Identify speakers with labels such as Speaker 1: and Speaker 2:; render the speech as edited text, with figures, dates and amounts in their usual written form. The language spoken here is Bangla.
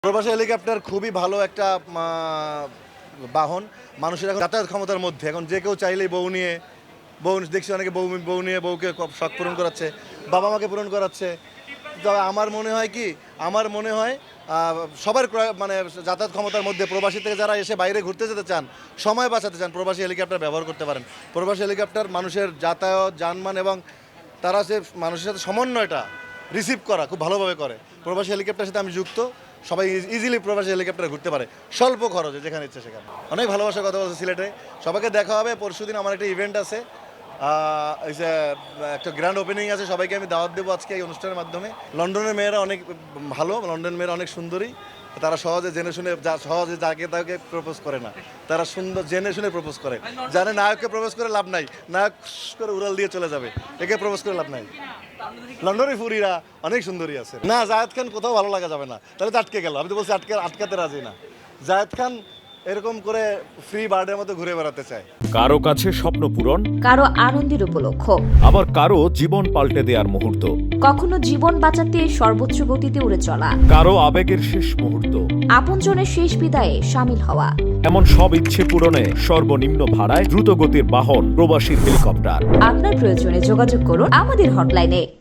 Speaker 1: প্রবাসী হেলিকপ্টার খুবই ভালো একটা বাহন। মানুষের এখন যাতায়াত ক্ষমতার মধ্যে এখন যে কেউ চাইলেই বউ দেখছি অনেকে বউ নিয়ে বউকে শখ পূরণ করাচ্ছে, বাবা মাকে পূরণ করাচ্ছে। তবে আমার মনে হয় সবার মানে যাতায়াত ক্ষমতার মধ্যে প্রবাসী থেকে যারা এসে বাইরে ঘুরতে যেতে চান, সময় বাঁচাতে চান, প্রবাসী হেলিকপ্টার ব্যবহার করতে পারেন। প্রবাসী হেলিকপ্টার মানুষের যাতায়াত যানবাহন এবং তারা যে মানুষের সাথে সমন্বয়টা রিসিভ করা খুব ভালোভাবে করে। প্রবাসী হেলিকপ্টারের সাথে আমি যুক্ত, সবাই ইজিলি প্রবাসী হেলিকপ্টারে ঘুরতে পারে স্বল্প খরচে, যেখানে ইচ্ছে সেখানে। অনেক ভালোবাসার কথা বলছে সিলেটে, সবাইকে দেখা হবে। পরশুদিন আমার একটা ইভেন্ট আছে, একটা গ্র্যান্ড ওপেনিং আছে, সবাইকে আমি দাওয়াত দেবো আজকে এই অনুষ্ঠানের মাধ্যমে। লন্ডনের মেয়েরা অনেক ভালো, লন্ডনের মেয়েরা অনেক সুন্দরী, তারা সহজে জেনে শুনে সহজে যাকে তাকে প্রপোজ করে না, তারা সুন্দর জেনে শুনে প্রপোজ করে। জানে নায়ককে প্রপোজ করে লাভ নাই, নায়ক করে উড়াল দিয়ে চলে যাবে, একে প্রপোজ করে লাভ নাই। লন্ডনের ফুরিরা অনেক সুন্দরী আছে। না, জায়েদ খান কোথাও ভালো লাগা যাবে না, তাহলে তো আটকে গেল। আমি তো বলছি আটকাতে রাজি না। জায়েদ খান এরকম করে ফ্রি বার্ডের মতো ঘুরে বেড়াতে চায়।
Speaker 2: কারো কাছে স্বপ্ন পূরণ,
Speaker 3: কারো আনন্দের উপলক্ষ,
Speaker 2: আবার কারো জীবন পাল্টে দেওয়ার মুহূর্ত,
Speaker 3: কখনো জীবন বাঁচাতে সর্বোচ্চ গতিতে উড়ে চলা,
Speaker 2: কারো আবেগের শেষ মুহূর্ত,
Speaker 3: আপনজনের শেষ বিদায়ে সামিল হওয়া।
Speaker 2: এমন সব ইচ্ছে পূরণে সর্বনিম্ন ভাড়ায় দ্রুতগতির বাহন প্রবাসী হেলিকপ্টার।
Speaker 3: আপনার প্রয়োজনে যোগাযোগ করুন আমাদের হটলাইনে।